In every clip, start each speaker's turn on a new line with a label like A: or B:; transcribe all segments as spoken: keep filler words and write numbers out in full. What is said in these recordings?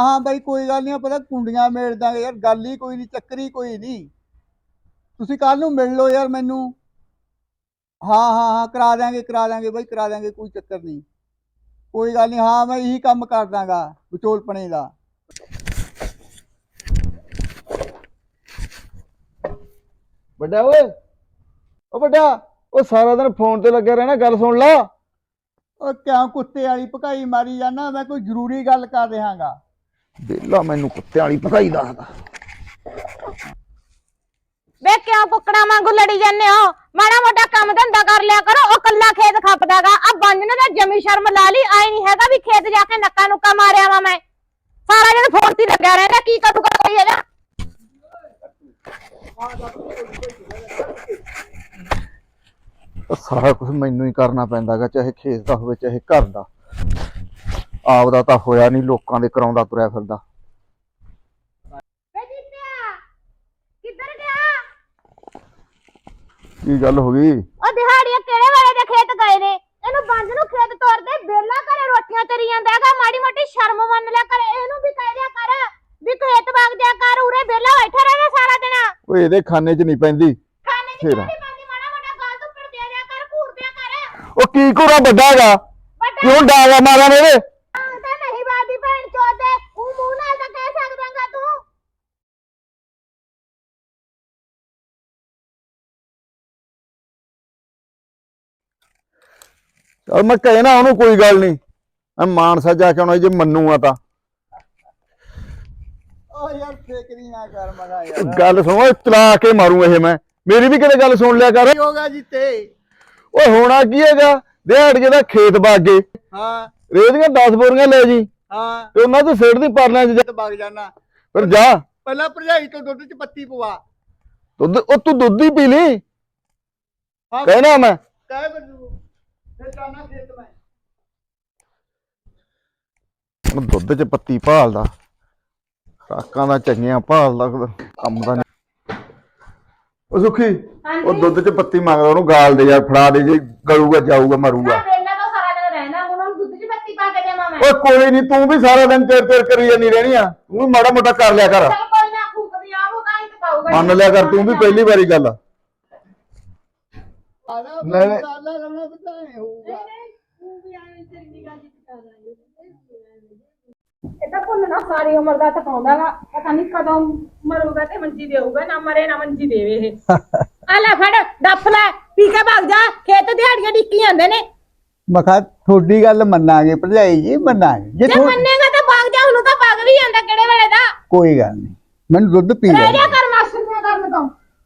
A: हाँ बई कोई गल नहीं, पता कुंडियां मेड़ दांगे यार, गल ही कोई नहीं, चक्कर ही कोई नहीं। तुसी कल नूं मिल लो यार मैनू। हाँ हाँ हाँ करा देंगे करा देंगे बई करा देंगे, कोई चक्कर नहीं। कोई गल नहीं, हाँ मैं यही काम कर दांगा विचोलपने का।
B: बड़ा ओए ओ बड़ा ओ सारा दिन फोन ते लगे रहना, गल सुन ला।
A: ओ क्यों कुत्ते वाली भकाई मारी जाना, मैं कोई जरूरी गल कर रहागा।
B: बेला मैनू कुत्ते वाली भकाई दसदा।
C: वे क्यों कुकड़ा वांगू लड़ी जाने हो? माड़ा मोटा काम धंधा कर लिया करो। ओ कल्ला खेत खपदागा, अब बंज ने तो जमी शर्म ला ली। आई नहीं हैगा भी खेत जाके नक्का नुक्का मारिया वा मैं। सारा दिन फोन ते लगा रहना, की करूगा कोई है ना।
B: सारा कुछ मैनू ही करना पैंदा गा, चाहे खेत दा होवे चाहे घर दा। आप दा तां होया नहीं, लोकां दे कराउंदा तुरया फिरदा। की गल हो गई?
C: ओ दिहाड़िया केड़े वाले दे खेत गए ने? एनु बंज नु खेत तोड़ दे, बेला घरे रोटियां तरी जांदा हैगा। माड़ी मोटी शर्म मन लिया कर, एनु भी कह दिया कर भी खेत बाग जा कर, उरे बेला बैठा रहना सारा दिन।
B: ओए इहदे खाने च नहीं पैंदी।
C: खाने च नहीं पैंदी, माड़ा मोटा गाल तो पड़ दिया जा कर, घूर दिया कर।
B: ओ की घूरा बड्डा हैगा, क्यों डागा मारा मेरे?
C: हां ते नहीं बादी भैन चोद दे, ऊ मुंह नाल तां कह सकदांगा तू।
B: चल मैं कहे ना ओनू, कोई गल नहीं, मैं मानसा जाके आना जे मन्नूगा तां।
A: ओ यार फेकरी ना कर मगा यार।
B: गल सुनो, चला के मारू ये मैं, मेरी भी किते गल सुन लिया कर।
A: की होगा जीते?
B: ओए होना की हैगा, दिहाड़िए दा खेत बागे,
A: हाँ
B: रेहदियां दस बोरियां ले जी,
A: हाँ
B: ते उन्हां तो सिर दी परलियां च
A: तो भाग जाना।
B: फिर जा।
A: पहला भरजाई तो दुध च पत्ती पवा।
B: दुध ओ तू दुध ही पी ली,
A: हाँ
B: कहना मैं।
A: कह बजू फिर जाना खेत में।
B: ਹੁਣ ਦੁੱਧ ਚ ਪੱਤੀ ਭਾਲਦਾ, ਖਰਾਕਾਂ ਦਾ ਚੰਗੀਆਂ ਭਾਲਦਾ, ਕੰਮ ਦਾ ਨਹੀਂ। ਉਹ ਸੁਖੀ ਉਹ ਦੁੱਧ ਚ ਪੱਤੀ ਮੰਗਦਾ, ਉਹਨੂੰ ਗਾਲ ਦੇ ਯਾਰ, ਫੜਾ ਦੇ, ਜੇ ਗਲੂਗਾ ਜਾਊਗਾ ਮਰੂਗਾ।
C: ਵੇਲਾ ਤਾਂ ਸਾਰਾ ਦਿਨ ਰਹਿਣਾ, ਹੁਣ ਉਹਨੂੰ ਦੁੱਧ 'ਚ ਪੱਤੀ ਪਾ ਕੇ ਦੇਵਾਂ ਮੈਂ।
B: ਓਏ ਕੋਈ ਨਹੀਂ, ਤੂੰ ਵੀ ਸਾਰਾ ਦਿਨ ਚਿਰ ਚਿਰ ਕਰੀ ਜਾਂਦੀ ਰਹਿਣੀ ਆ, ਤੂੰ ਵੀ ਮਾੜਾ ਮੋਟਾ ਕਰ ਲਿਆ ਕਰ।
C: ਚੱਲ ਕੋਈ ਨਾ, ਫੂਕਦੀ ਆ ਉਹ ਤਾਂ ਹੀ ਪਾਊਗਾ।
B: ਮੰਨ ਲਿਆ ਕਰ, ਤੂੰ ਵੀ ਪਹਿਲੀ ਵਾਰੀ ਗੱਲ ਆ।
A: आधा
B: नहीं, नहीं।
A: साला रहना पता है होगा।
C: ਇਹ ਤਾਂ ਭੁੱਲਣਾ ਸਾਰੀ ਉਮਰ ਦਾ ਤਕਾਉਂਦਾ ਵਾ, ਪਤਾ ਨਹੀਂ ਕਦੋਂ ਮਰੂਗਾ ਤੇ ਮੰਜੀ ਦੇਊਗਾ, ਨਾ ਮਰੇ ਨਾ ਮੰਜੀ ਦੇਵੇ ਇਹ। ਆ ਲੈ ਫੜ ਡੱਫ ਲੈ, ਪੀ ਕੇ ਭੱਗ ਜਾ, ਖੇਤ ਦਿਹਾੜੀਆਂ ਡਿੱਕੀ ਜਾਂਦੇ ਨੇ।
A: मखा थोड़ी गल मन्नांगे भरजाई जी, मन्नांगे जे
C: ਜੇ ਮੰਨੇਗਾ ਤਾਂ ਭੱਗ ਜਾ, ਹੁਣ ਤਾਂ ਭੱਗ ਵੀ ਜਾਂਦਾ ਕਿਹੜੇ ਵੇਲੇ ਦਾ।
A: कोई गल नहीं, मैंने दुध पी
C: ਰਹਿ
A: लिया।
C: ਜਾ ਕਰ ਮਾਸਟਰ ਦੀਆਂ ਕਰਨ ਤੋਂ।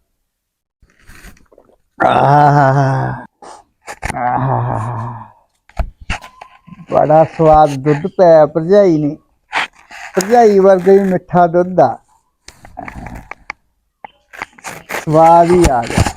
A: बड़ा स्वाद दुध पाया भरजाई ने, भरजाई वर्गे भी मिठा दुध आ, स्वाद ही आ गया।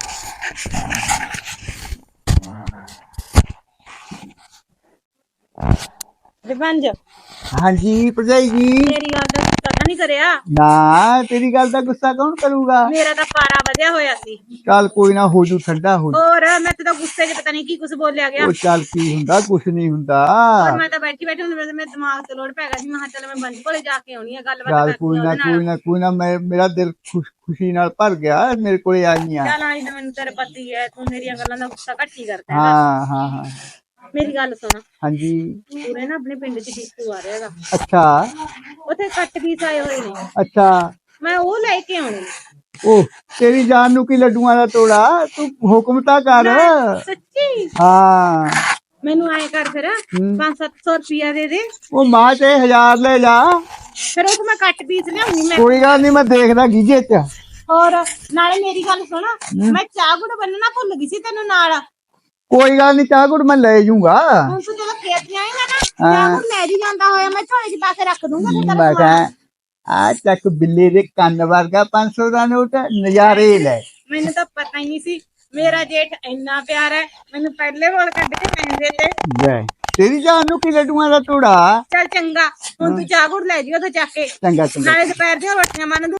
C: ਰਿਵੰਜ
A: हाँ जी भरजाई जी।
C: ਮੇਰੀ ਗੱਲ ਦਾ ਪਤਾ ਨਹੀਂ ਕਰਿਆ,
A: ना तेरी गल का गुस्सा कौन करूगा?
C: ਮੇਰਾ ਤਾਂ ਪਾਰਾ ਵਧਿਆ ਹੋਇਆ ਸੀ।
A: चल कोई ना, हो जू ठंडा हो जू।
C: ਹੋਰ ਮੈਂ ਤੇ ਤਾਂ ਗੁੱਸੇ 'ਚ ਪਤਾ ਨਹੀਂ ਕੀ ਕੁਝ ਬੋਲਿਆ ਗਿਆ।
A: ओ चल की हुंदा, कुछ नहीं हुंदा।
C: और मैं तो बैठी बैठी मेरे मेरे दिमाग से लोड पैगा जी, मैं चल मैं बंद कोले जाके आउणी है, गलबात
A: चल
C: करनी
A: कोई ना
C: है
A: कोई ना कोई ना, मैं मेरा दिल खुश खुशी नाल भर गया, मेरे को आई हैं।
C: चल आई तो मैंने तेरे पति है, तू मेरी गल्लां दा गुस्सा घट ही करता है।
A: हाँ हाँ हाँ
C: मेरी गल सुन,
A: हाँ जी।
C: पूरे ना अपने पिंड च डिस्कू आ रहेगा,
A: अच्छा
C: उथे कट पीस आए हुए ने,
A: अच्छा।
C: मैं वो लेके आउणी।
A: ओ तेरी जान नू की लड्डुआं दा तोड़ा, तू हुक्म ता कर।
C: सच्ची
A: हाँ
C: मैनू आए कर फिर पांच सत्त सौ रुपया दे दे,
A: ओ मां ते हजार ले जा,
C: फिर उस मैं कट पीस लियाऊंगी मैं।
A: कोई गल नहीं, मैं देखदा गीजे च।
C: और नाले मेरी गल सुन, मैं चाह गुड़ बनना भुल गई सी तेनू नाल।
A: कोई गल नहीं, चाह गुड़ मैं ले जूंगा।
C: ਹੁਣ ਤੂੰ ਜਦੋਂ ਖੇਤ ਜਾਏਗਾ ਨਾ, ਚਾਹ ਗੁੜ ਲੈ ਜੀ ਜਾਂਦਾ ਹੋਇਆ मैं ਝੋਲੇ 'ਚ ਪਾ ਕੇ ਰੱਖ ਦੂੰਗਾ ਤੇ
A: मैं कहा आ चक बिल्ली दे कन्न वर्गा पांच सौ दा नोट, नजारे ले।
C: ਮੈਨੂੰ ਤਾਂ ਪਤਾ ਹੀ ਨਹੀਂ ਸੀ ਮੇਰਾ ਜੇਠ ਇੰਨਾ ਪਿਆਰਾ ਹੈ, ਮੈਨੂੰ ਪਹਿਲੇ ਬੋਲ ਕੱਢ ਕੇ ਪੈਂਦੇ ਤੇ।
A: ले तेरी जान नू की लड्डुआं दा तोड़ा।
C: ਚੱਲ ਚੰਗਾ, ਹੁਣ ਤੂੰ ਚਾਹ ਗੁੜ ਲੈ ਜੀ ਉੱਥੇ ਚੱਕ ਕੇ,
A: चंगा चंगा।
C: ਨਾਲੇ ਦੁਪਹਿਰ ਦੀਆਂ ਰੋਟੀਆਂ ਮੰਨ ਦੂੰ।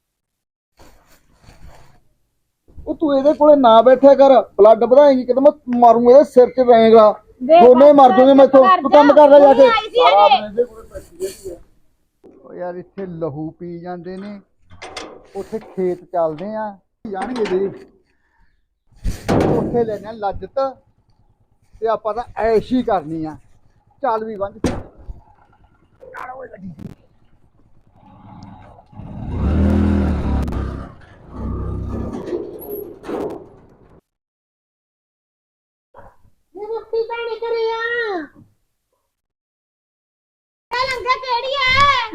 B: ਉਹ ਤੂੰ ਇਹਦੇ ਕੋਲੇ ਨਾ ਬੈਠਿਆ ਕਰ, ਬਲੱਡ ਵਧਾਏਂਗੀ, ਕਿਤੇ ਮੈਂ ਮਾਰੂੰਗਾ ਇਹਦੇ ਸਿਰ 'ਚ ਰਹੇਗਾ, ਦੋਨੇ ਮਰ ਜੂਗੇ ਮੈਥੋਂ। ਤੂੰ ਕੰਮ ਕਰ ਲੈ ਜਾ ਕੇ।
A: ਉਹ ਯਾਰ ਇੱਥੇ ਲਹੂ ਪੀ ਜਾਂਦੇ ਨੇ, ਉੱਥੇ ਖੇਤ ਚੱਲਦੇ ਆ ਜਾਣਗੇ ਦੇ ਉੱਥੇ ਲੈਣੇ ਆ ਲੱਜਤ ਤੇ ਆਪਾਂ ਤਾਂ ਐਸ਼ ਹੀ ਕਰਨੀ ਆ। ਚੱਲ ਵੀ ਬੰਦ ਯਾਰ ਓਏ ਲੱਗੀ
C: ਮੁੱਠੀ ਪਾਣੀ ਕਰਿਆ ਇਹ ਲੰਗਾ ਕਿਹੜੀ ਐ?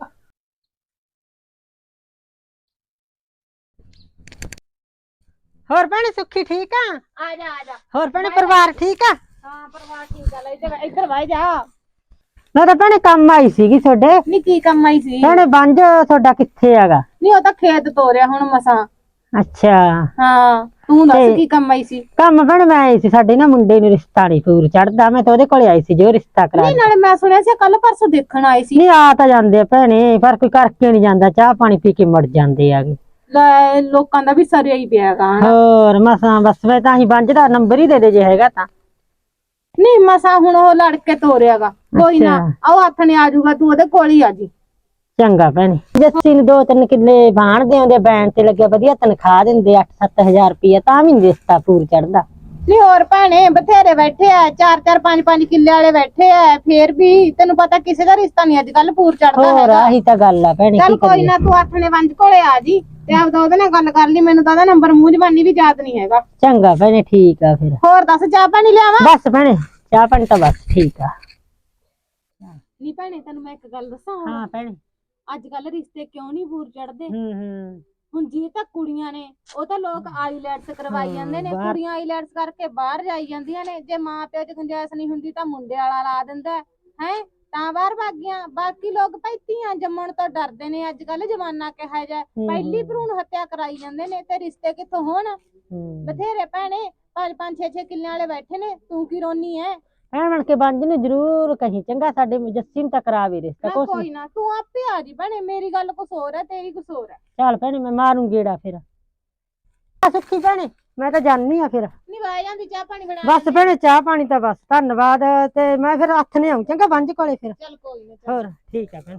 D: ਹੋਰ ਭੈਣੇ ਸੁੱਖੀ ਠੀਕ ਆ?
C: ਆ ਜਾ ਆ ਜਾ।
D: ਹੋਰ ਭੈਣੇ ਪਰਿਵਾਰ ਠੀਕ ਆ?
C: ਹਾਂ ਪਰਿਵਾਰ ਠੀਕ ਆ। ਲੈ ਇੱਧਰ ਇੱਧਰ ਵਾਈ ਜਾ।
D: ਮੈਂ ਤਾਂ ਭੈਣੇ ਕੰਮ ਆਈ ਸੀਗੀ ਤੁਹਾਡੇ।
C: ਨੀ ਕੀ ਕੰਮ ਆਈ ਸੀ?
D: ਭੈਣੇ ਬੰਜ ਤੁਹਾਡਾ ਕਿੱਥੇ ਹੈਗਾ?
C: ਨਹੀਂ ਉਹ ਤਾਂ ਖੇਤ ਤੋਰਿਆ ਹੁਣ ਮਸਾਂ।
D: ਅੱਛਾ
C: ਹਾਂ ਤੂੰ ਦੱਸ
D: ਤੇ-
C: ਕੀ ਕੰਮ ਆਈ ਸੀ?
D: ਕੰਮ ਭੈਣੇ ਮੈਂ ਆਈ ਸੀ, ਸਾਡੇ ਨਾ ਮੁੰਡੇ ਨੂੰ ਰਿਸ਼ਤਾ ਨਹੀਂ ਪੂਰ ਚੜਦਾ, ਮੈਂ ਤਾਂ ਉਹਦੇ ਕੋਲੇ ਆਈ ਸੀ ਜੋ ਰਿਸ਼ਤਾ ਕਰਾ
C: ਨਹੀਂ ਨਾਲੇ ਮੈਂ ਸੁਣਿਆ ਸੀ ਕੱਲ ਪਰਸੋਂ ਦੇਖਣ ਆਏ ਸੀ।
D: ਨਹੀਂ ਆ ਤਾਂ ਜਾਂਦੇ ਆ ਭੈਣੇ, ਪਰ ਕੋਈ ਕਰਕੇ ਨਹੀਂ ਜਾਂਦਾ, ਚਾਹ ਪਾਣੀ ਪੀ ਕੇ ਮੁੜ ਜਾਂਦੇ ਆਗੇ।
C: ਲੈ ਲੋਕਾਂ ਦਾ ਵੀ ਸਰਿਆ ਹੀ ਪਿਆਗਾ ਹਨਾ।
D: ਹੋਰ ਮਸਾਂ ਬਸ ਮੈਂ ਤਾਂ ਹੀ ਬੰਜ ਦਾ ਨੰਬਰ ਹੀ ਦੇ ਦੇ ਜੇ ਹੈਗਾ ਤਾਂ।
C: ਨਹੀਂ ਮਸਾਂ ਹੁਣ ਉਹ ਲੜ ਕੇ ਤੋਰਿਆਗਾ। ਕੋਈ ਨਾ ਆਓ ਹੱਥ ਨੇ ਆ ਜਾਊਗਾ, ਤੂੰ ਉਹਦੇ ਕੋਲ ਹੀ ਆ ਜੀ।
D: ਚੰਗਾ ਭੈਣੇ। ਜੱਸੀ ਨੂੰ ਦੋ ਤਿੰਨ ਕਿੱਲੇ ਬਾਣਦੇ ਆਉਂਦੇ, ਬੈਣ ਤੇ ਲੱਗਿਆ ਵਧੀਆ ਤਨਖਾਹ ਦਿੰਦੇ ਅੱਠ ਸੱਤ ਹਜ਼ਾਰ ਰੁਪਇਆ, ਤਾਂ ਵੀ ਨੀ ਰਿਸ਼ਤਾ ਪੂਰ ਚੜਦਾ।
C: ਨਹੀਂ ਹੋਰ ਭੈਣੇ ਬਥੇਰੇ ਬੈਠੇ ਆ, ਚਾਰ ਚਾਰ ਪੰਜ ਪੰਜ ਕਿੱਲੇ ਵਾਲੇ ਬੈਠੇ ਆ, ਫੇਰ ਵੀ ਤੈਨੂੰ ਪਤਾ ਕਿਸੇ ਦਾ ਰਿਸ਼ਤਾ ਨਹੀਂ ਅੱਜ ਕੱਲ ਪੂਰ ਚੜਦਾ
D: ਹੋਰ
C: ਹੈਗਾ।
D: ਆਹੀ ਤਾਂ ਗੱਲ ਆ ਭੈਣੇ,
C: ਚੱਲ
D: ਕੀ
C: ਕੋਈ
D: ਕਰੀਏ।
C: ਨਾ ਤੂੰ ਹੱਥ ਨੇ ਵੰਜ ਕੋਲੇ ਆ ਜੀ ਤੇ ਆਪਦਾ ਉਹਦੇ ਨਾਲ ਗੱਲ ਕਰ ਲਈ। ਮੈਨੂੰ ਤਾਂ ਉਹਦਾ ਨੰਬਰ ਮੂੰਹ ਜ਼ਬਾਨੀ ਵੀ ਯਾਦ ਨਹੀਂ ਹੈਗਾ।
D: ਚੰਗਾ ਭੈਣੇ ਠੀਕ ਆ ਫਿਰ।
C: ਹੋਰ ਦੱਸ ਚਾਹ ਪਾਣੀ ਲਿਆਵਾਂ?
D: ਬਸ ਭੈਣੇ ਚਾਹ ਪਾਣੀ ਤਾਂ ਬਸ ਠੀਕ ਆ।
C: ਨਹੀਂ ਭੈਣੇ ਤੈਨੂੰ ਮੈਂ ਇੱਕ ਗੱਲ ਦੱਸਾਂ ਹੁਣ,
D: ਹਾਂ ਭੈਣੇ।
C: ਅੱਜ ਕੱਲ ਰਿਸ਼ਤੇ ਕਿਉਂ ਨਹੀਂ ਪੂਰ ਚੜਦੇ?
D: ਹੂੰ ਹੂੰ
C: ਹੁਣ ਜੀ ਤਾਂ ਕੁੜੀਆਂ ਨੇ ਉਹ ਤਾਂ ਲੋਕ ਆਈਲੈਟਸ ਕਰਵਾਈ ਜਾਂਦੇ ਨੇ,
D: ਬਾਹਰ-
C: ਕੁੜੀਆਂ ਆਈਲੈਟਸ ਕਰਕੇ ਬਾਹਰ ਜਾਈ ਜਾਂਦੀਆਂ ਨੇ। ਜੇ ਮਾਂ ਪਿਓ 'ਚ ਗੁੰਜਾਇਸ਼ ਨਹੀਂ ਹੁੰਦੀ ਤਾਂ ਮੁੰਡੇ ਵਾਲਾ ਲਾ ਦਿੰਦਾ ਹੈ, ਤਾਂ ਬਾਹਰ ਭਾਗੀਆਂ। ਬਾਕੀ ਲੋਕ ਭਾਈ ਧੀਆਂ ਜੰਮਣ ਤੋਂ ਡਰਦੇ ਨੇ, ਅੱਜ ਕੱਲ ਜਮਾਨਾ ਕਿਹਾ ਜਾਏ ਪਹਿਲੀ ਭਰੂਣ ਹੱਤਿਆ ਕਰਾਈ ਜਾਂਦੇ ਨੇ, ਤੇ ਰਿਸ਼ਤੇ ਕਿੱਥੋਂ ਹੋਣ?
D: ਹੂੰ
C: ਬਥੇਰੇ ਭੈਣੇ ਪੰਜ ਪੰਜ ਛੇ ਛੇ ਕਿੱਲਿਆਂ ਵਾਲੇ ਬੈਠੇ ਨੇ, ਤੂੰ ਕੀ ਰੋਨੀ ਐ?
D: ਭੈਣ ਬਣ ਕੇ ਬੰਜ ਨੂੰ ਜ਼ਰੂਰ ਕਹੀਂ ਚੰਗਾ, ਸਾਡੇ ਜੱਸੀ ਨੂੰ ਤਾਂ ਕਰਾ ਵੀ ਰਿਸ਼ਤਾ
C: ਮੈਂ
D: ਕੁਛ
C: ਕੋਈ ਨਾ ਤੂੰ ਆਪੇ ਆ ਜੀ ਭੈਣੇ, ਮੇਰੀ ਗੱਲ ਕੁਛ ਹੋਰ ਹੈ ਤੇਰੀ ਕੁਛ ਹੋਰ ਹੈ।
D: ਚੱਲ ਭੈਣੇ ਮੈਂ ਮਾਰੂ ਗੇੜਾ ਫਿਰ। ਆ ਸੁੱਖੀ ਭੈਣੇ ਮੈਂ ਤਾਂ ਜਾਣੀ ਆ ਫਿਰ।
C: ਨਹੀਂ ਵਾਹ ਜਾਂਦੀ ਚਾਹ ਪਾਣੀ ਬਣਾ
D: ਬਸ ਭੈਣੇ ਚਾਹ ਪਾਣੀ ਤਾਂ ਬਸ ਧੰਨਵਾਦ, ਤੇ ਮੈਂ ਫਿਰ ਹੱਥ ਨੇ ਆਉਂ ਚੰਗਾ ਬੰਜ ਕੋਲੇ ਫਿਰ।
C: ਚੱਲ ਕੋਈ ਨਾ।
D: ਹੋਰ ਠੀਕ ਆ ਭੈਣੇ।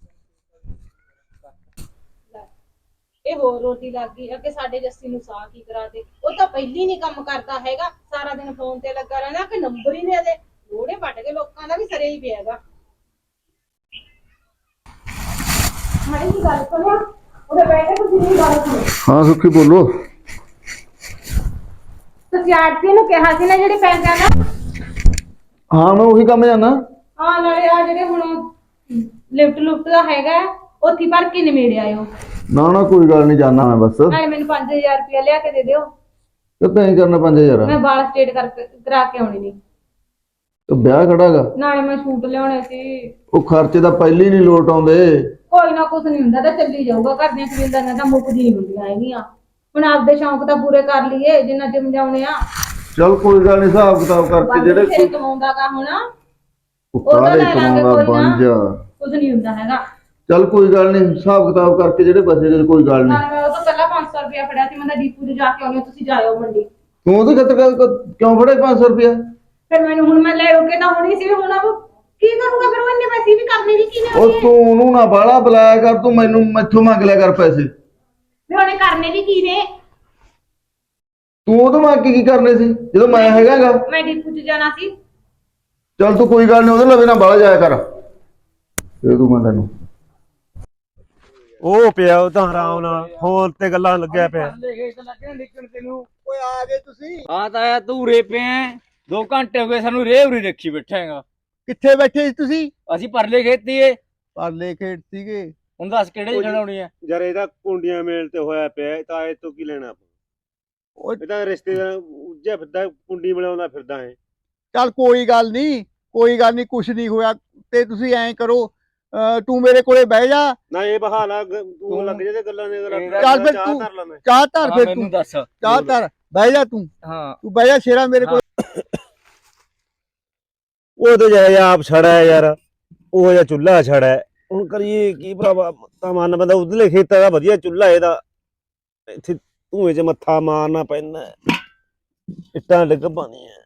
C: ਇਹ ਹੋਰ ਰੋਟੀ ਲੱਗ ਗਈ। ਅੱਗੇ ਸਾਡੇ ਜੱਸੀ ਨੂੰ ਸਾਹ ਕੀ ਕਰਾ ਦੇ, ਉਹ ਤਾਂ ਪਹਿਲੀ ਨਹੀਂ ਕੰਮ ਕਰਦਾ ਹੈਗਾ, ਸਾਰਾ ਦਿਨ ਫੋਨ ਤੇ ਲੱਗਾ ਰਹਿੰਦਾ ਕਿ ਨੰਬਰ ਹੀ ਦੇ ਦੇ। ਲੋੜੇ ਵੱਟ ਕੇ ਲੋਕਾਂ ਦਾ ਵੀ ਸਰੇ ਹੀ ਪਿਆ ਹੈਗਾ। ਮਾੜੀ ਜੀ ਗੱਲ ਸੁਣਿਆ, ਉਹਦੇ ਬੈਠੇ ਤੁਸੀਂ ਨਹੀਂ ਗੱਲ ਸੁਣੀ।
B: ਹਾਂ ਸੁੱਖੀ ਬੋਲੋ।
C: ਤੁਸੀਂ ਆਰਤੀ ਨੂੰ ਕਿਹਾ ਸੀ ਨਾ ਜਿਹੜੇ ਪੈਸਿਆਂ ਦਾ?
B: ਹਾਂ ਮੈਂ ਉਹੀ ਕੰਮ ਜਾਣਾ।
C: ਹਾਂ ਨਾਲੇ ਆ ਜਿਹੜੇ ਹੁਣ ਲਿਫਟ ਲੁਫਟ ਦਾ ਹੈਗਾ ਉੱਥੇ ਭਰ ਕੇ ਨਿਮੇੜ ਆਇਓ।
B: ਨਾ ਨਾ ਕੋਈ ਗੱਲ ਨਹੀਂ, ਜਾਣਾ ਮੈਂ ਬਸ।
C: ਨਾਲੇ ਮੈਨੂੰ ਪੰਜ ਹਜ਼ਾਰ ਰੁਪਇਆ ਲਿਆ ਕੇ ਦੇ ਦਿਓ,
B: ਕਿੱਦਾਂ ਹੀ ਕਰਨਾ ਪੰਜ ਹਜ਼ਾਰ?
C: ਮੈਂ ਵਾਲ ਸਟੇਟ ਕਰਕੇ ਕਰਾ ਕੇ ਆਉਣੀ ਨਹੀਂ।
B: ਤੇ ਵਿਆਹ ਖੜਾਗਾ,
C: ਨਾਲੇ ਮੈਂ ਸੂਟ ਲਿਆਉਣੇ ਸੀ।
B: ਉਹ ਖਰਚੇ ਤਾਂ ਪਹਿਲੀ ਨਹੀਂ ਲੋਟ ਆਉਂਦੇ।
C: ਕੋਈ ਨਾ ਕੁਛ ਨਹੀਂ ਹੁੰਦਾ, ਤਾਂ ਚੱਲੀ ਜਾਊਗਾ। ਘਰ ਦੀਆਂ ਕਬੀਲਦਾਰੀਆਂ ਤਾਂ ਮੁੱਕਦੀ ਨਹੀਂ ਹੁੰਦੀਆਂ ਹੈਗੀਆਂ। ਹੁਣ ਆਪਦੇ ਸ਼ੌਂਕ ਤਾਂ ਪੂਰੇ ਕਰ ਲਈਏ ਜਿੰਨਾ ਜਿਮ ਜਾਉਣੇ ਆ।
B: ਚਲ ਕੋਈ ਗੱਲ ਨਹੀਂ, ਹਿਸਾਬ ਕਿਤਾਬ ਕਰਕੇ ਜਿਹੜੇ
C: ਜਿਹੜੇ ਕਮਾਉਂਦਾ ਕਾ ਹੁਣ
B: ਉਹਦਾ
C: ਉਹਦਾ ਲੈ ਲਾਂਗੇ
B: ਕਮਾਉਂਦਾ
C: ਕੋਈ ਨਾ,
B: ਬੰਜ।
C: ਕੁਛ ਨਹੀਂ ਹੁੰਦਾ ਹੈਗਾ।
B: ਚਲ ਕੋਈ ਗੱਲ ਨਹੀਂ, ਹਿਸਾਬ ਕਿਤਾਬ ਕਰਕੇ ਜਿਹੜੇ ਬਚੇ ਕੋਈ ਗੱਲ ਨਹੀਂ।
C: ਨਾਲੇ ਮੈਂ ਉਹ ਤੋਂ ਪਹਿਲਾਂ ਪੰਜ ਸੌ ਰੁਪਇਆ ਫੜਿਆ ਸੀ, ਮੈਂ ਤਾਂ ਡੀਪੂ 'ਚ ਜਾ ਕੇ ਆਉਣੀ, ਤੁਸੀਂ ਜਾਇਓ ਮੰਡੀ।
B: ਤੂੰ ਉਹਦੇ ਖਤਰ ਕਿਉਂ ਫੜੇ ਪੰਜ ਸੌ ਰੁਪਇਆ?
C: ਫਿਰ ਮੈਨੂੰ ਹੁਣ ਮੈਂ ਲੈ ਰੋਕੇ ਤਾਂ ਹੋਣੀ ਸੀ, ਹੁਣ ਉਹ ਕੀ ਕਰੂਗਾ? ਫਿਰ ਉਹ ਇੰਨੇ ਪੈਸੇ ਵੀ ਕਰਨੇ ਵੀ ਕਿਵੇਂ
B: ਉਹ ਤੂੰ ਉਹਨੂੰ ਨਾ ਬਾਹਲਾ ਬੁਲਾਇਆ ਕਰ, ਤੂੰ ਮੈਨੂੰ ਮੈਥੋਂ ਮੰਗ ਲਿਆ ਕਰ ਪੈਸੇ।
C: ਵੀ ਉਹਨੇ ਕਰਨੇ ਵੀ ਕੀ ਨੇ?
B: ਤੂੰ ਉਹਦੋਂ ਮੰਗ ਕੇ ਕੀ ਕਰਨੇ ਸੀ ਜਦੋਂ ਮੈਂ ਹੈਗਾਗਾ?
C: ਮੈਂ ਡੀਪੂ 'ਚ ਜਾਣਾ ਸੀ।
B: ਚੱਲ ਤੂੰ ਕੋਈ ਗੱਲ ਨਹੀਂ, ਉਹਦੇ ਲਵੇ ਨਾ ਬਾਹਲਾ ਜਾਇਆ ਕਰ। ਇਹ ਤੂੰ ਮੈਂ ਤੈਨੂੰ
E: ਉਹ ਪਿਆ ਉਹ ਤਾਂ ਆਰਾਮ ਨਾਲ ਫੋਨ ਤੇ ਗੱਲਾਂ ਲੱਗਿਆ ਪਿਆ।
A: ਓਏ ਆ ਗਏ ਤੁਸੀਂ?
F: ਆ ਤਾਂ ਆਇਆ ਤੂੰ ਰੇ ਪਿਆ, ਦੋ ਘੰਟੇ ਹੋ ਗਏ ਸਾਨੂੰ ਰੇਹ ਉਰੀ ਰੱਖੀ ਬੈਠਾਂਗਾ।
A: ਕਿੱਥੇ ਬੈਠੇ ਸੀ ਤੁਸੀਂ?
F: ਅਸੀਂ ਪਰਲੇ ਖੇਤੀਏ।
A: ਪਰਲੇ ਖੇਤ ਸੀਗੇ।
F: ਹੁਣ ਦੱਸ ਕਿਹੜੇ ਖੜਾਉਣੀ ਆ?
E: ਯਾਰ ਇਹਦਾ ਕੁੰਡੀਆਂ ਮੇਲ ਤੇ ਹੋਇਆ ਪਿਆ, ਇਹ ਤਾਂ ਇਹ ਤੋਂ ਕੀ ਲੈਣਾ ਆਪਾਂ?
A: ਉਹ
E: ਇਹ ਤਾਂ ਰਿਸ਼ਤੇਦਾਰ ਉੱਜਿਆ ਫਿਰਦਾ, ਕੁੰਡੀ ਮਿਲਾਉਂਦਾ ਫਿਰਦਾ ਹੈ।
A: ਚੱਲ ਕੋਈ ਗੱਲ ਨਹੀਂ, ਕੋਈ ਗੱਲ ਨਹੀਂ, ਕੁਛ ਨਹੀਂ ਹੋਇਆ। ਤੇ ਤੁਸੀਂ ਐਂ ਕਰੋ, ਅਹ ਤੂੰ ਮੇਰੇ ਕੋਲੇ ਬਹਿ ਜਾ।
E: ਨਾ ਇਹ ਬਹਾਨਾ ਤੂੰ ਲੱਗ ਜੇ ਤੇ ਗੱਲਾਂ ਦੇ
A: ਚੱਲ ਫਿਰ
E: ਚਾਹ
A: ਤੂੰ
E: ਧਰ ਲਾ ਮੈਂ।
A: ਚਾਹ ਧਰ
F: ਹਾਂ,
A: ਫਿਰ
F: ਮੈਨੂੰ
A: ਤੂੰ
F: ਦੱਸ।
A: ਚਾਹ ਧਰ, ਬਹਿ ਜਾ ਤੂੰ।
F: ਹਾਂ
A: ਤੂੰ ਬਹਿ ਜਾ ਸ਼ੇਰਾ ਮੇਰੇ ਕੋਲ।
E: ਉਹ ਤੇ ਜਿਹਾ ਆਪ ਛੜਾ ਹੈ ਯਾਰ, ਉਹ ਜਿਹਾ ਚੁੱਲ੍ਹਾ ਛੜਾ ਹੈ। ਹੁਣ ਕਰੀਏ ਕੀ ਭਰਾਵਾ, ਤਾਂ ਮਨ ਬੰਦਾ ਉਧਰਲੇ ਖੇਤਾਂ ਦਾ ਵਧੀਆ ਚੁੱਲ੍ਹਾ ਇਹਦਾ, ਇੱਥੇ ਧੂਏ 'ਚ ਮੱਥਾ ਮਾਰਨਾ ਪੈਂਦਾ, ਇੱਟਾਂ ਡਿੱਗ ਪਾਣੀਆਂ।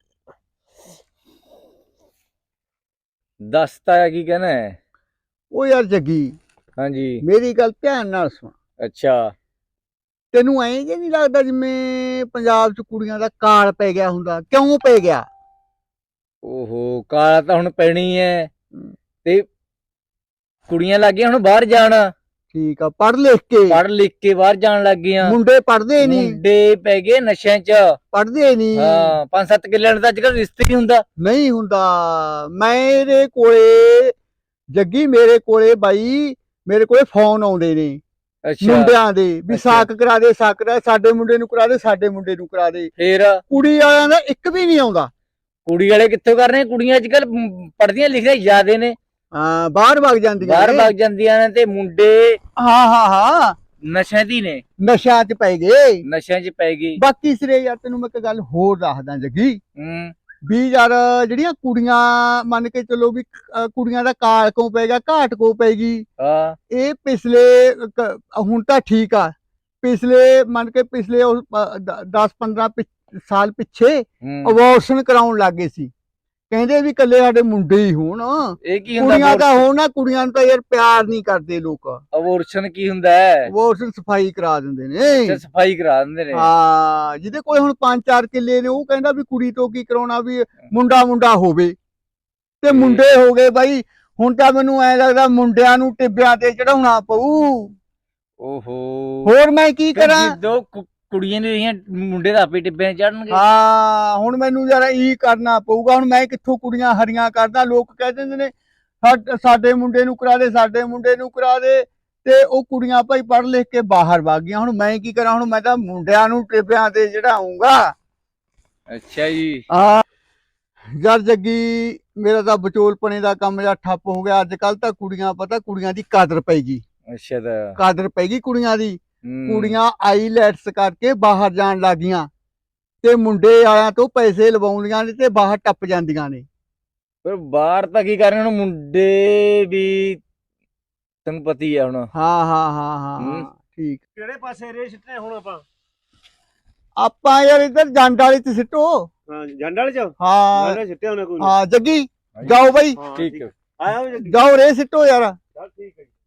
F: ਦੱਸ ਤਾਇਆ ਕੀ ਕਹਿਣਾ ਹੈ?
A: ਉਹ ਯਾਰ ਜੱਗੀ,
F: ਹਾਂਜੀ
A: ਮੇਰੀ ਗੱਲ ਧਿਆਨ ਨਾਲ ਸੁਣ।
F: ਅੱਛਾ
A: ਤੈਨੂੰ ਐਂ ਜੇ ਨਹੀਂ ਲੱਗਦਾ ਜਿਵੇਂ ਪੰਜਾਬ 'ਚ ਕੁੜੀਆਂ ਦਾ ਕਾਲ ਪੈ ਗਿਆ ਹੁੰਦਾ? ਕਿਉਂ ਪੈ ਗਿਆ?
F: ਓਹੋ ਕਾਲਾ ਤਾਂ ਹੁਣ ਪੈਣੀ ਐ ਤੇ ਕੁੜੀਆਂ ਲੱਗ ਗਈਆਂ ਹੁਣ ਬਾਹਰ ਜਾਣ,
A: ਠੀਕ ਆ, ਪੜ੍ਹ ਲਿਖ ਕੇ
F: ਪੜ੍ਹ ਲਿਖ ਕੇ ਬਾਹਰ ਜਾਣ ਲੱਗ ਗਈਆਂ।
A: ਮੁੰਡੇ ਪੜ੍ਹਦੇ ਨਹੀਂ,
F: ਮੁੰਡੇ ਪੈ ਗਏ ਨਸ਼ਿਆਂ 'ਚ।
A: ਪੜ੍ਹਦੇ ਨਹੀਂ।
F: ਹਾਂ ਪੰਜ ਸੱਤ ਕਿੱਲਿਆਂ ਦਾ ਅੱਜ ਕੱਲ ਰਿਸ਼ਤੇ ਨਹੀਂ ਹੁੰਦਾ।
A: ਨਹੀਂ ਹੁੰਦਾ। ਮੇਰੇ ਕੋਲੇ ਜੱਗੀ, ਮੇਰੇ ਕੋਲੇ ਬਾਈ, ਮੇਰੇ ਕੋਲੇ ਫੋਨ ਆਉਂਦੇ ਨੇ
F: ਅੱਛਾ
A: ਮੁੰਡਿਆਂ ਦੇ ਵੀ
F: ਅੱਛਾ।
A: ਸਾਕ ਕਰਾ ਦੇ, ਸਾਕ ਕਰਾ ਦੇ, ਸਾਡੇ ਮੁੰਡੇ ਨੂੰ ਕਰਾ ਦੇ, ਸਾਡੇ ਮੁੰਡੇ ਨੂੰ ਕਰਾ ਦੇ।
F: ਫੇਰ
A: ਕੁੜੀ ਵਾਲਿਆਂ ਦਾ ਇੱਕ ਵੀ ਨਹੀਂ ਆਉਂਦਾ।
F: ਕੁੜੀ ਵਾਲੇ ਕਿੱਥੋਂ ਕਰ ਰਹੇ? ਕੁੜੀਆਂ ਅੱਜ ਕੱਲ ਪੜ੍ਹਦੀਆਂ ਲਿਖਦੀਆਂ ਜ਼ਿਆਦੇ ਨੇ,
A: ਹਾਂ ਬਾਹਰ ਵਗ ਜਾਂਦੀਆਂ
F: ਬਾਹਰ
A: ਨੇ।
F: ਵਗ ਜਾਂਦੀਆਂ ਨੇ ਤੇ ਮੁੰਡੇ
A: ਹਾਂ ਹਾਂ ਹਾਂ
F: ਨਸ਼ਿਆਂ ਦੀ ਨੇ,
A: ਨਸ਼ਿਆਂ 'ਚ ਪੈ ਗਏ।
F: ਨਸ਼ਿਆਂ 'ਚ ਪੈ ਗਈ।
A: ਬਾਕੀ ਸਿਰੇ ਯਾਰ ਤੈਨੂੰ ਮੈਂ ਇੱਕ ਗੱਲ ਹੋਰ ਦੱਸਦਾ ਜੱਗੀ,
F: ਹੂੰ
A: ਵੀ ਯਾਰ ਜਿਹੜੀਆਂ ਕੁੜੀਆਂ ਮੰਨ ਕੇ ਚੱਲੋ ਵੀ ਅਹ ਕੁੜੀਆਂ ਦਾ ਕਾਲ ਕਿਉਂ ਪੈ ਗਿਆ, ਘਾਟ ਕਿਉਂ ਪੈ ਗਈ,
F: ਹਾਂ
A: ਇਹ ਪਿਛਲੇ ਕ- ਹੁਣ ਤਾਂ ਠੀਕ ਆ, ਪਿਛਲੇ ਮੰਨ ਕੇ ਪਿਛਲੇ ਦਸ ਪੰਦਰਾਂ ਸਾਲ ਪਿੱਛੇ
F: ਹੂੰ
A: ਅਬੋਰਸ਼ਨ ਕਰਾਉਣ ਲੱਗ ਗਏ ਸੀ। ਕਹਿੰਦੇ ਵੀ ਕੱਲੇ ਸਾਡੇ ਮੁੰਡੇ ਹੀ ਹੋਣ,
F: ਇਹ ਕੀ ਹੁੰਦਾ?
A: ਕੁੜੀਆਂ ਤਾਂ ਹੋਣ ਨਾ, ਕੁੜੀਆਂ ਨੂੰ ਤਾਂ ਯਾਰ ਪਿਆਰ ਨਹੀਂ ਕਰਦੇ ਲੋਕ।
F: ਅਬੋਰਸ਼ਨ ਕੀ ਹੁੰਦਾ ਹੈ?
A: ਅਬੋਰਸ਼ਨ ਸਫਾਈ ਕਰਾ ਦਿੰਦੇ
F: ਅੱਛਾ
A: ਨੇ।
F: ਸਫਾਈ ਕਰਾ ਦਿੰਦੇ ਨੇ।
A: ਹਾਂ ਜਿਹਦੇ ਕੋਲ ਹੁਣ ਪੰਜ ਚਾਰ ਕਿੱਲੇ ਨੇ ਉਹ ਕਹਿੰਦਾ ਵੀ ਕੁੜੀ ਤੋਂ ਕੀ ਕਰਾਉਣਾ, ਵੀ ਮੁੰਡਾ ਮੁੰਡਾ ਹੋਵੇ ਤੇ ਮੁੰਡੇ ਹੋ ਗਏ ਬਾਈ। ਹੁਣ ਤਾਂ ਮੈਨੂੰ ਐ ਲੱਗਦਾ ਮੁੰਡਿਆਂ ਨੂੰ ਟਿੱਬਿਆਂ ਤੇ ਚੜਾਉਣਾ ਪਊ।
F: ਓਹੋ
A: ਹੋਰ ਮੈਂ ਕੀ ਕਰਾਂ?
F: ਜਦੋਂ ਕੁ- ਕੁੜੀਆਂ ਨੇ ਰਹੀਆਂ ਮੁੰਡੇ ਦਾ ਆਪੇ ਟਿੱਬਿਆਂ ਚੜਨਗੇ।
A: ਹਾਂ ਹੁਣ ਮੈਨੂੰ ਯਾਰ ਇਹ ਕਰਨਾ ਪਊਗਾ। ਹੁਣ ਮੈਂ ਕਿੱਥੋਂ ਕੁੜੀਆਂ ਹਰੀਆਂ ਕਰਦਾ? ਲੋਕ ਕਹਿ ਦਿੰਦੇ ਨੇ ਸਾ- ਸਾਡੇ ਮੁੰਡੇ ਨੂੰ ਕਰਾ ਦੇ, ਸਾਡੇ ਮੁੰਡੇ ਨੂੰ ਕਰਾ ਦੇ, ਤੇ ਉਹ ਕੁੜੀਆਂ ਭਾਈ ਪੜ੍ਹ ਲਿਖ ਕੇ ਬਾਹਰ ਵਗ ਗਈਆਂ। ਹੁਣ ਮੈਂ ਕੀ ਕਰਾਂ? ਹੁਣ ਮੈਂ ਤਾਂ ਮੁੰਡਿਆਂ ਨੂੰ ਟਿੱਬਿਆਂ ਤੇ ਚੜਾਉਂਗਾ।
F: ਅੱਛਾ ਜੀ।
A: ਆ ਯਾਰ ਜੱਗੀ, ਮੇਰਾ ਤਾਂ ਵਿਚੋਲਪਣੇ ਦਾ ਕੰਮ ਜਾਂ ਠੱਪ ਹੋ ਗਿਆ। ਅੱਜ ਕੱਲ ਤਾਂ ਕੁੜੀਆਂ, ਪਤਾ ਕੁੜੀਆਂ ਦੀ ਕਦਰ ਪੈ ਗਈ,
F: ਅੱਛਾ ਤਾਂ
A: ਕਦਰ ਪੈ ਗਈ ਕੁੜੀਆਂ ਦੀ।
F: ਹੂੰ।
A: ਕੁੜੀਆਂ ਆਈਲੈਟਸ ਕਰਕੇ ਬਾਹਰ ਜਾਣ ਲੱਗ ਗਈਆਂ ਤੇ ਮੁੰਡੇ ਆਇਆਂ ਤੋਂ ਪੈਸੇ ਲਵਾਉਂਦੀਆਂ ਨੇ ਤੇ ਬਾਹਰ ਟੱਪ ਜਾਂਦੀਆਂ ਨੇ।
F: ਪਰ ਬਾਹਰ ਤਾਂ ਕੀ ਕਰ ਰਹੇ ਹੁਣ ਮੁੰਡੇ ਵੀ, ਤੈਨੂੰ ਪਤੀ ਆ ਹੁਣ।
A: ਹਾਂ ਹਾਂ ਹਾਂ ਹਾਂ
F: ਹੂੰ।
A: ਹਾਂ ਠੀਕ।
E: ਕਿਹੜੇ ਪਾਸੇ ਰੇ ਸਿੱਟਨੇ ਹੁਣ ਆਪਾਂ?
A: ਆਪਾਂ ਯਾਰ ਇੱਧਰ ਜੰਡ ਵਾਲੀ ਤੇ ਸਿੱਟੋ।
E: ਹਾਂ ਜੰਡ ਵਾਲੇ ਚ
A: ਹਾਂ
E: ਜੰਡ ਸਿੱਟੇ ਉਹਨੇ ਕੋਈ
A: ਹਾਂ ਜੱਗੀ ਜਾਓ ਬਾਈ,
E: ਹਾਂ,
F: ਠੀਕ ਹੈ।
E: ਆਇਆ ਹੋਇਆ ਜੀ।
A: ਜਾਓ ਰੇ ਸਿੱਟੋ ਯਾਰ।
E: ਚੱਲ ਠੀਕ ਹੈ ਜੀ।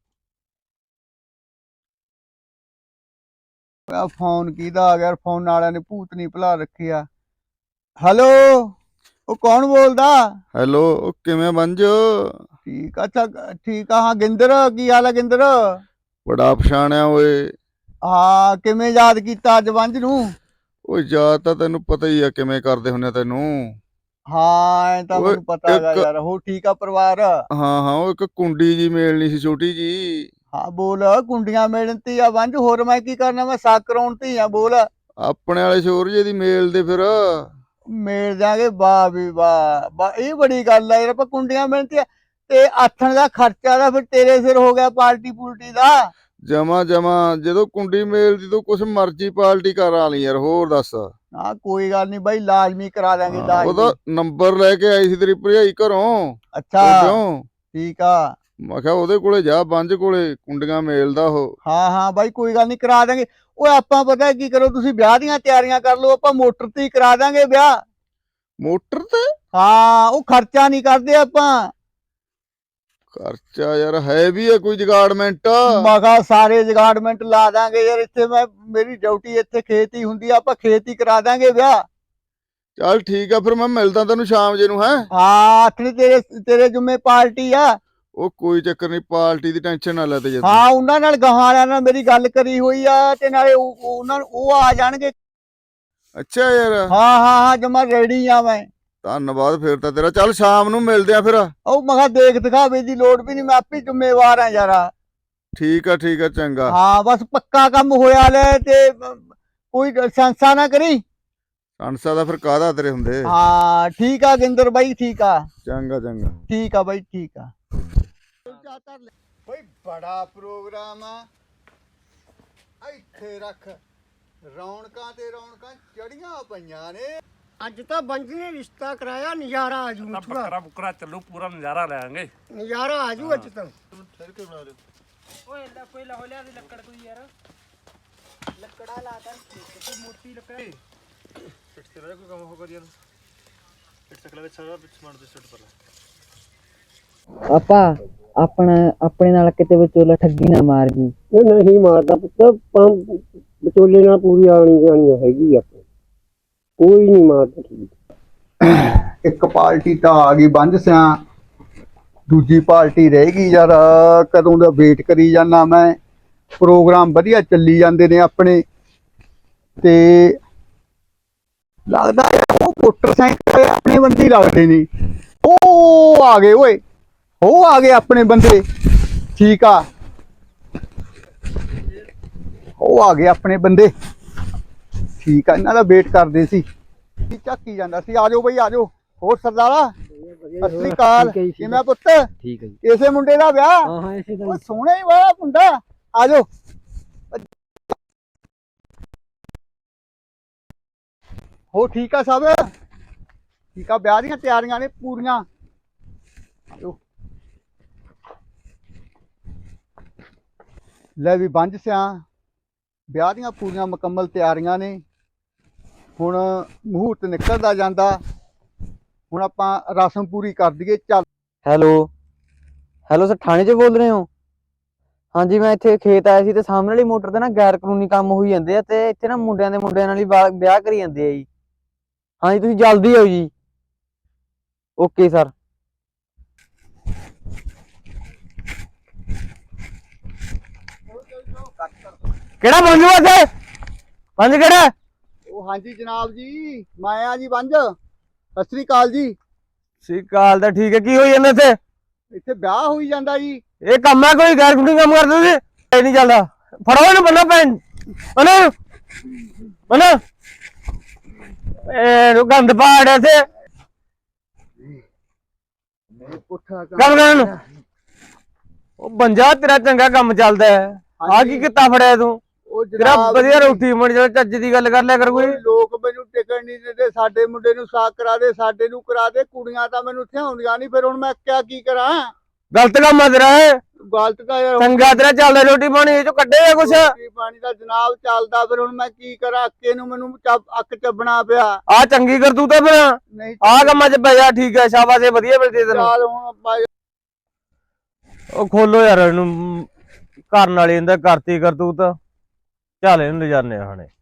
A: ਆ ਫੋਨ ਕਿਹਦਾ ਆ ਗਿਆ ਯਾਰ? ਫੋਨ ਵਾਲਿਆਂ ਨੇ ਭੂਤ ਨਹੀਂ ਭੁਲਾ ਰੱਖਿਆ। ਹੈਲੋ, ਉਹ ਕੌਣ ਬੋਲਦਾ?
B: ਹੈਲੋ, ਉਹ ਕਿਵੇਂ ਬੰਜ?
A: ਠੀਕ ਆ, ਅੱਛਾ ਠੀਕ ਆ। ਹਾਂ ਗਿੰਦਰ, ਕੀ ਹਾਲ ਆ ਗਿੰਦਰ?
B: ਬੜਾ ਪਛਾਣਿਆ ਓਏ।
A: ਹਾਂ ਕਿਵੇਂ ਯਾਦ ਕੀਤਾ ਅੱਜ ਵੰਜ ਨੂੰ?
B: ਓਏ ਯਾਦ ਤਾਂ ਤੈਨੂੰ ਪਤਾ ਹੀ ਆ ਕਿਵੇਂ ਕਰਦੇ ਹੁੰਨੇ ਤੈਨੂੰ।
A: ਹਾਂ ਐ ਤਾਂ
B: ਓਏ,
A: ਮੈਨੂੰ ਪਤਾ ਹੈਗਾ
B: ਇੱਕ-
A: ਯਾਰ। ਹੋ ਠੀਕ ਆ ਪਰਿਵਾਰ?
B: ਹਾਂ ਹਾਂ, ਉਹ ਇੱਕ ਕੁੰਡੀ ਜੀ ਮੇਲਣੀ ਸੀ ਛੋਟੀ ਜੀ।
A: ਹਾਂ ਬੋਲ। ਕੁੰਡੀਆਂ ਮੇਲਣ ਤੇ ਆ ਵੰਜ, ਹੋਰ ਮੈਂ ਕੀ ਕਰਨਾ? ਮੈਂ ਸਾਕ ਕਰਾਉਣ ਤੇ ਆ। ਬੋਲ।
B: ਆਪਣੇ ਵਾਲੇ ਸ਼ੋਰ ਜੇ ਦੀ ਮੇਲ ਦੇ ਫਿਰ।
A: ਮੇਲ ਜਾਗੇ, ਵਾਹ ਵੀ ਵਾਹ ਵਾਹ, ਇਹ ਬੜੀ ਗੱਲ ਆ ਯਾਰ। ਆਪਾਂ ਕੁੰਡੀਆਂ ਮੇਲਣ ਤੇ ਆ ਤੇ ਆਥਣ ਦਾ ਖਰਚਾ ਦਾ ਫਿਰ ਤੇਰੇ ਸਿਰ ਹੋ ਗਿਆ, ਪਾਰਟੀ ਪੂਲਟੀ ਦਾ।
B: ਜਮਾ ਜਮਾ, ਜਦੋਂ ਕੁੰਡੀ ਮੇਲ ਦੀ ਤੂੰ ਕੁਛ ਮਰਜ਼ੀ ਪਾਰਟੀ ਕਰਾ ਲਈ ਯਾਰ। ਹੋਰ ਦੱਸ।
A: ਹਾਂ ਕੋਈ ਗੱਲ ਨਹੀਂ ਬਾਈ, ਲਾਜ਼ਮੀ ਕਰਾ ਦਾਂਗੇ
B: ਹਾਂ,
A: ਲਾਜ਼ਮੀ।
B: ਉਹਦਾ ਨੰਬਰ ਲੈ ਕੇ ਆਈ ਸੀ ਤੇਰੀ ਭਰਜਾਈ ਘਰੋਂ।
A: ਅੱਛਾ
B: ਕਿਉਂ?
A: ਠੀਕ ਆ।
B: ਮੈਂ ਕਿਹਾ ਉਹਦੇ ਕੋਲੇ ਜਾ, ਬੰਜ ਕੋਲੇ, ਕੁੰਡੀਆਂ ਮੇਲਦਾ ਉਹ।
A: ਹਾਂ ਹਾਂ ਬਾਈ ਕੋਈ ਗੱਲ ਨਹੀਂ, ਕਰਾ ਦਾਂਗੇ। ਓਏ ਆਪਾਂ ਪਤਾ ਕੀ ਕਰੋ, ਤੁਸੀਂ ਵਿਆਹ ਦੀਆਂ ਤਿਆਰੀਆਂ ਕਰ ਲਓ, ਆਪਾਂ ਮੋਟਰ ਤੇ ਹੀ ਕਰਾ ਦਾਂਗੇ ਵਿਆਹ।
B: ਮੋਟਰ ਤੇ
A: ਹਾਂ ਉਹ ਖਰਚਾ ਨਹੀਂ ਕਰਦੇ ਆਪਾਂ।
B: ਖਰਚਾ ਯਾਰ ਹੈ ਵੀ ਆ ਕੋਈ ਜਗਾੜਮੈਂਟ?
A: ਮਗਾ ਸਾਰੇ ਜਗਾੜਮੈਂਟ ਲਾ ਦਾਂਗੇ ਯਾਰ। ਇੱਥੇ ਮੈਂ, ਮੇਰੀ ਡਿਊਟੀ ਇੱਥੇ ਖੇਤ ਹੀ ਹੁੰਦੀ ਆ, ਆਪਾਂ ਖੇਤ ਹੀ ਕਰਾ ਦਾਂਗੇ ਵਿਆਹ।
B: ਚੱਲ ਠੀਕ ਆ, ਫਿਰ ਮੈਂ ਮਿਲਦਾ ਤੈਨੂੰ ਸ਼ਾਮ ਜੇ ਨੂੰ। ਹੈ
A: ਹਾਂ ਆਥਣੀ ਤੇਰੇ ਤੇਰੇ ਜੁਮੇ ਪਾਰਟੀ ਆ।
B: ਉਹ ਕੋਈ ਚੱਕਰ ਨਹੀਂ, ਪਾਰਟੀ ਦੀ ਟੈਨਸ਼ਨ ਨਾ ਲੈ ਤੇ ਜਦ।
A: ਹਾਂ ਉਹਨਾਂ ਨਾਲ ਗਾਹਾਂ ਵਾਲਿਆਂ ਨਾਲ ਮੇਰੀ ਗੱਲ ਕਰੀ ਹੋਈ ਆ, ਤੇ ਨਾਲੇ ਉਹ- ਉਹਨਾਂ ਨੂੰ ਉਹ ਆ ਜਾਣਗੇ।
B: ਅੱਛਾ ਯਾਰ,
A: ਹਾਂ ਹਾਂ ਹਾਂ ਜਮਾ ਰੈਡੀ ਆ ਮੈਂ।
B: ਧੰਨਵਾਦ ਫਿਰ ਤਾਂ ਤੇਰਾ। ਚੱਲ ਸ਼ਾਮ ਨੂੰ ਮਿਲਦੇ ਆ ਫਿਰ।
A: ਉਹ ਮੈਂ ਕਿਹਾ ਦੇਖ ਦਿਖਾਵੇ ਦੀ ਲੋੜ ਵੀ ਨਹੀਂ, ਮੈਂ ਆਪੇ ਜ਼ਿੰਮੇਵਾਰ ਆ ਯਾਰ।
B: ਠੀਕ ਆ ਠੀਕ ਆ, ਚੰਗਾ।
A: ਹਾਂ ਬਸ ਪੱਕਾ ਕੰਮ ਹੋਇਆ ਲੈ, ਤੇ ਅ, ਕੋਈ ਸੰਸਾ ਨਾ ਕਰੀ।
B: ਅਣਸਾ ਦਾ ਫਿਰ ਕਾਹਦਾ ਤੇਰੇ ਹੁੰਦੇ।
A: ਹਾਂ ਠੀਕ ਆ ਗਿੰਦਰ ਬਾਈ, ਠੀਕ ਆ।
B: ਚੰਗਾ ਚੰਗਾ।
A: ਠੀਕ ਆ ਬਾਈ, ਠੀਕ ਆ। ਬਈ ਬੜਾ ਪ੍ਰੋਗਰਾਮ ਆ, ਇੱਥੇ ਰੱਖ। ਰੌਣਕਾਂ ਤੇ ਰੌਣਕਾਂ ਚੜੀਆਂ ਪਈਆਂ ਨੇ।
G: ਅੱਜ ਤਾਂ ਬੰਜ ਨੇ ਰਿਸ਼ਤਾ ਕਰਾਇਆ, ਨਜ਼ਾਰਾ ਆ ਜੂ।
H: ਤਾਂ ਬੱਕਰਾ ਬੁੱਕਰਾ ਚੱਲੂ, ਪੂਰਾ ਨਜ਼ਾਰਾ ਲੈਾਂਗੇ।
G: ਨਜ਼ਾਰਾ ਆ ਜੂ ਅੱਜ ਤਾਂ।
H: ਓਏ ਲੈ ਕੋਈ ਲਾ ਹੋ ਲਿਆ ਦੀ ਲੱਕੜ ਕੋਈ ਯਾਰ। ਲੱਕੜਾ ਲਾ ਕਰ ਕੋਈ ਮੋਟੀ ਲੱਕੜ। ਸਿੱਟ ਤੇ ਕੋਈ ਕੰਮ ਹੋ ਕਰੀ ਯਾਰ। ਸਿੱਟ ਤੱਕ ਲਵੇ ਸਾਰਾ ਵਿੱਚ ਸਮਾਨ ਤੇ ਸਿੱਟ ਪਰ।
G: ਆਪਾ
F: ਆਪਣਾ ਆਪਣੇ ਨਾਲ ਕਿਤੇ ਵਿਚੋਲਾ ਠੱਗੀ ਨਾ ਮਾਰ ਜੀ।
G: ਇਹ ਨਹੀਂ ਮਾਰਦਾ ਪੁੱਤ, ਪੰਜ ਵਿਚੋਲੇ ਨਾਲ ਪੂਰੀ ਆਣੀ ਜਾਣੀ ਹੈਗੀ ਆ, ਕੋਈ ਨਹੀਂ ਮਾਰਦਾ ਠੀਕ।
A: ਇੱਕ ਪਾਰਟੀ ਤਾਂ ਆ ਗਈ ਬੰਜ ਸਿਆਂ, ਦੂਜੀ ਪਾਰਟੀ ਰਹਿ ਗਈ ਯਾਰ। ਕਦੋਂ ਦਾ ਵੇਟ ਕਰੀ ਜਾਂਦਾ ਮੈਂ। ਪ੍ਰੋਗਰਾਮ ਵਧੀਆ ਚੱਲੀ ਜਾਂਦੇ ਨੇ ਆਪਣੇ, ਤੇ ਲੱਗਦਾ ਯਾਰ ਉਹ ਮੋਟਰਸਾਈਕਲ ਆਪਣੇ ਬੰਦੇ ਹੀ ਲੱਗਦੇ ਨੇ। ਉਹ ਆ ਗਏ ਓਏ, ਉਹ ਆ ਗਏ ਆਪਣੇ ਬੰਦੇ। ਠੀਕ ਆ, ਉਹ ਆ ਗਏ ਆਪਣੇ ਬੰਦੇ। ਠੀਕ ਆ, ਇਹਨਾਂ ਦਾ ਵੇਟ ਕਰਦੇ ਸੀ। ਝਾਕੀ ਜਾਂਦਾ ਸੀ। ਆ ਜਾਓ ਬਈ, ਆ ਜਾਓ। ਹੋਰ ਸਰਦਾਰਾ, ਸਤਿ ਸ੍ਰੀ ਅਕਾਲ। ਕਿਵੇਂ ਆ ਪੁੱਤ?
F: ਠੀਕ ਹੈ ਜੀ।
A: ਇਸੇ ਮੁੰਡੇ ਦਾ ਵਿਆਹ?
G: ਹਾਂ ਹਾਂ ਇਸੇ
A: ਉਹ ਸੋਹਣਾ ਹੀ ਵਾਲਾ ਮੁੰਡਾ। ਆ ਜਾਓ। ਹੋ ਠੀਕ ਆ ਸਭ? ਠੀਕ ਆ, ਵਿਆਹ ਦੀਆਂ ਤਿਆਰੀਆਂ ਨੇ ਪੂਰੀਆਂ। ਆਜੋ। ਲੈ ਵੀ ਬੰਜ ਸਿਆਂ, ਵਿਆਹ ਦੀਆਂ ਪੂਰੀਆਂ ਮੁਕੰਮਲ ਤਿਆਰੀਆਂ ਨੇ। ਹੁਣ ਮਹੂਰਤ ਨਿਕਲਦਾ ਜਾਂਦਾ। ਹੁਣ ਆਪਾਂ ਰਸਮ ਪੂਰੀ ਕਰ ਦਈਏ। ਚੱਲ।
F: ਹੈਲੋ ਹੈਲੋ ਸਰ, ਥਾਣੇ 'ਚ ਬੋਲ ਰਹੇ ਹੋ? ਹਾਂਜੀ, ਮੈਂ ਇੱਥੇ ਖੇਤ ਆਇਆ ਸੀ ਤੇ ਸਾਹਮਣੇ ਵਾਲੀ ਮੋਟਰ ਤੇ ਨਾ ਗੈਰ ਕਾਨੂੰਨੀ ਕੰਮ ਹੋਈ ਜਾਂਦੇ ਆ ਤੇ ਇੱਥੇ ਨਾ ਮੁੰਡਿਆਂ ਦੇ ਮੁੰਡਿਆਂ ਨਾਲ ਹੀ ਵਿਆਹ ਵਿਆਹ ਕਰੀ ਜਾਂਦੇ ਆ ਜੀ। ਹਾਂਜੀ, ਤੁਸੀਂ ਜਲਦੀ ਆਓ ਜੀ। Okay sir.
E: ਕਿਹੜਾ ਬੰਜੂ ਇੱਥੇ? ਬੰਜ ਕਿਹੜਾ?
A: ਉਹ ਹਾਂਜੀ ਜਨਾਬ ਜੀ, ਮੈਂ ਆ ਜੀ ਬੰਜ। ਸਤਿ ਸ੍ਰੀ ਅਕਾਲ ਜੀ।
E: ਸ੍ਰੀ ਅਕਾਲ ਦਾ ਠੀਕ ਹੈ। ਕੀ ਹੋਈ ਜਾਂਦਾ ਇੱਥੇ?
A: ਇੱਥੇ ਵਿਆਹ ਹੋਈ ਜਾਂਦਾ ਜੀ।
E: ਇਹ ਕੰਮ ਹੈ ਕੋਈ ਗੈਰ ਕਾਨੂੰਨੀ ਕੰਮ ਕਰਦੇ ਤੁਸੀਂ? ਇਹ ਨਹੀਂ ਚੱਲਦਾ। ਫੜੋ ਇਹਨੂੰ ਬੰਨੋ ਭੈਣ ਬੰਨੋ ਬੰਨੋ। ਇਹ ਗੰਦ ਪਾੜ ਇੱਥੇ
A: ਪੁੱਠਾ
E: ਕੰਮ ਕਰਨ ਨੂੰ। ਉਹ ਬੰਜਾ ਤੇਰਾ ਚੰਗਾ ਕੰਮ ਚੱਲਦਾ ਹੈ। ਆ ਕੀ ਕਿੱਤਾ ਫੜਿਆ ਤੂੰ?
A: ਉਹ
E: ਤੇਰਾ
A: ਜਨਾਬ
E: ਵਧੀਆ
A: ਜੀ,
E: ਰੋਟੀ ਮਣ ਜਦੋਂ ਚੱਜ ਦੀ ਗੱਲ ਕਰ ਲਿਆ ਕਰ ਕੋਈ।
A: ਲੋਕ ਮੈਨੂੰ ਟਿਕਣ ਨਹੀਂ ਦਿੰਦੇ। ਸਾਡੇ ਮੁੰਡੇ ਨੂੰ ਸਾਕ ਕਰਾ ਦੇ, ਸਾਡੇ ਨੂੰ ਕਰਾ ਦੇ। ਕੁੜੀਆਂ ਤਾਂ ਮੈਨੂੰ ਥਿਆਉਂਦੀਆਂ ਨਹੀਂ। ਫਿਰ ਹੁਣ ਮੈਂ ਕਿਆ ਕੀ ਕਰਾਂ?
E: ਗਲਤ ਕੰਮ ਆ ਤੇਰਾ ਇਹ।
A: ਗਲਤ ਤਾਂ ਯਾਰ
E: ਚੰਗਾ ਤੇਰਾ ਚੱਲਦਾ ਰੋਟੀ ਪਾਣੀ ਇਹ ਚੋਂ ਕੱਢੇਗਾ ਕੁਛ?
A: ਰੋਟੀ ਪਾਣੀ ਦਾ ਜਨਾਬ ਚੱਲਦਾ। ਫਿਰ ਹੁਣ ਮੈਂ ਕੀ ਕਰਾਂ? ਅੱਕੇ ਨੂੰ ਮੈਨੂੰ ਚੱਬ- ਅੱਕ ਚੱਬਣਾ ਪਿਆ।
E: ਆ ਚੰਗੀ ਕਰਤੂਤ ਆ ਫਿਰ।
A: ਨਹੀਂ
E: ਆ ਕੰਮਾਂ 'ਚ ਪੈ ਜਾ। ਠੀਕ ਹੈ, ਸ਼ਾਬਾਸ਼, ਇਹ ਵਧੀਆ ਮਿਲਦੀ ਤੈਨੂੰ।
A: ਚੱਲ ਹੁਣ ਆਪਾਂ
E: ਉਹ ਖੋਲੋ ਯਾਰ ਇਹਨੂੰ। ਕਰਨ ਵਾਲੀ ਇਹਦਾ ਕਰਤੀ ਕਰਤੂਤ। ਚੱਲ ਇਹਨੂੰ ਲਿਜਾਨੇ ਆ ਹੁਣੇ।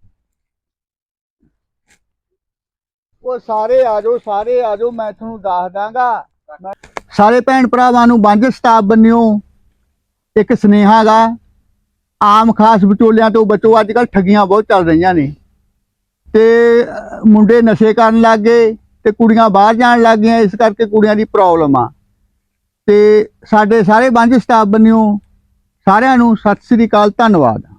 A: ਉਹ ਸਾਰੇ ਆ ਜਾਓ, ਸਾਰੇ ਆ ਜਾਓ। ਮੈਂ ਤੁਹਾਨੂੰ ਦੱਸ ਦਾਂਗਾ। ਸਾਰੇ ਭੈਣ ਭਰਾਵਾਂ ਨੂੰ ਬੰਜ ਸਟਾਫ ਬੰਨਿਓ ਇੱਕ ਸੁਨੇਹਾ ਗਾ। ਆਮ ਖਾਸ ਵਿਚੋਲਿਆਂ ਤੋਂ ਬਚੋ। ਅੱਜ ਕੱਲ੍ਹ ਠੱਗੀਆਂ ਬਹੁਤ ਚੱਲ ਰਹੀਆਂ ਨੇ ਤੇ ਅਹ, ਮੁੰਡੇ ਨਸ਼ੇ ਕਰਨ ਲੱਗ ਗਏ ਤੇ ਕੁੜੀਆਂ ਬਾਹਰ ਜਾਣ ਲੱਗ ਗਈਆਂ। ਇਸ ਕਰਕੇ ਕੁੜੀਆਂ ਦੀ ਪ੍ਰੋਬਲਮ ਆ। ਤੇ ਸਾਡੇ ਸਾਰੇ ਬੰਜ ਸਟਾਫ ਬੰਨਿਓ। ਸਾਰਿਆਂ ਨੂੰ ਸਤਿ ਸ੍ਰੀ ਅਕਾਲ, ਧੰਨਵਾਦ।